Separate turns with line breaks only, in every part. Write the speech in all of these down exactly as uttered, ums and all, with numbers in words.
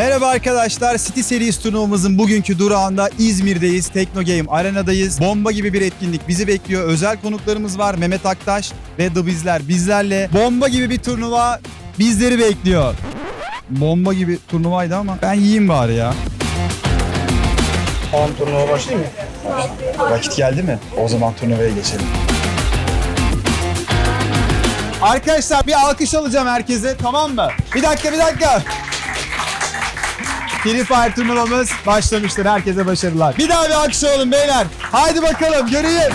Merhaba arkadaşlar, City Series turnuvamızın bugünkü durağında İzmir'deyiz, Teknogame Arena'dayız. Bomba gibi bir etkinlik bizi bekliyor. Özel konuklarımız var, Mehmet Aktaş ve The Bizler bizlerle. Bomba gibi bir turnuva bizleri bekliyor. Bomba gibi turnuvaydı ama ben yiyeyim bari ya.
Tamam, turnuva başlayayım mı?
Vakit geldi mi? O zaman turnuvaya geçelim. Arkadaşlar bir alkış alacağım herkese, tamam mı? Bir dakika, bir dakika. Free Fire turnuvamız başlamıştır. Herkese başarılar. Bir daha bir alkış alalım beyler. Haydi bakalım, göreyim.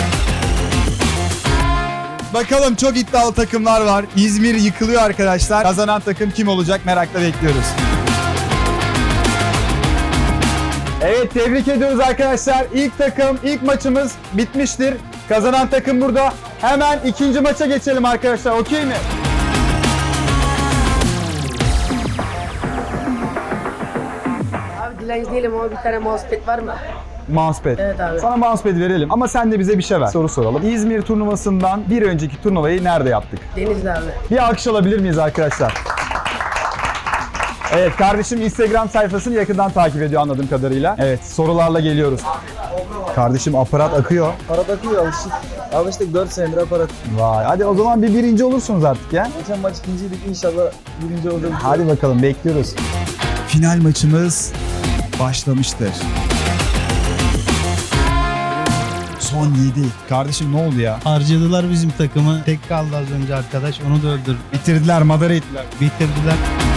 Bakalım, çok iddialı takımlar var. İzmir yıkılıyor arkadaşlar. Kazanan takım kim olacak merakla bekliyoruz. Evet, tebrik ediyoruz arkadaşlar. İlk takım, ilk maçımız bitmiştir. Kazanan takım burada. Hemen ikinci maça geçelim arkadaşlar. Okey mi?
Abi dilenci değilim ama bir tane mousepad var mı?
Mousepad.
Evet abi.
Sana mousepad verelim ama sen de bize bir şey ver. Soru soralım. İzmir turnuvasından bir önceki turnuvayı nerede yaptık?
Denizli abi.
Bir alkış alabilir miyiz arkadaşlar? Evet, kardeşim Instagram sayfasını yakından takip ediyor anladığım kadarıyla. Evet, sorularla geliyoruz. Kardeşim aparat akıyor.
Aparat akıyor, alıştık. Alıştık, dört senedir aparat.
Vay, hadi o zaman bir birinci olursunuz artık ya.
Geçen maç ikinciydik, inşallah birinci olacağız.
Hadi bakalım, bekliyoruz. Final maçımız başlamıştır. Son yedi. Kardeşim ne oldu ya?
Harcadılar bizim takımı. Tek kaldı az önce arkadaş. Onu da öldür.
Bitirdiler, madara ettiler.
Bitirdiler.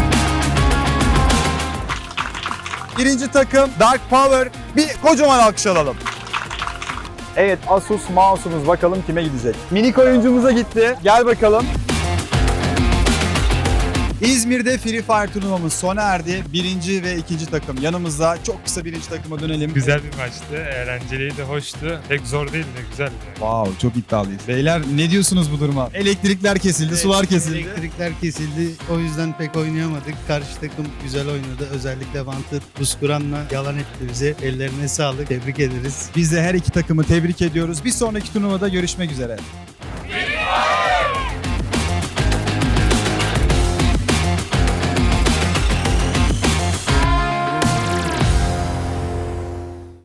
Birinci takım Dark Power. Bir kocaman alkış alalım. Evet, Asus mouse'umuz bakalım kime gidecek. Minik oyuncumuza gitti. Gel bakalım. İzmir'de Free Fire turnuvamız sona erdi. Birinci ve ikinci takım yanımızda. Çok kısa birinci takıma dönelim.
Güzel bir maçtı, eğlenceliydi, hoştu. Pek zor değildi, güzeldi.
Wow, çok iddialıyız. Beyler ne diyorsunuz bu duruma? Elektrikler kesildi, sular kesildi.
Elektrikler kesildi. O yüzden pek oynayamadık. Karşı takım güzel oynadı. Özellikle Wanted, Buskuran'la yalan etti bize. Ellerine sağlık. Tebrik ederiz.
Biz de her iki takımı tebrik ediyoruz. Bir sonraki turnuvada görüşmek üzere.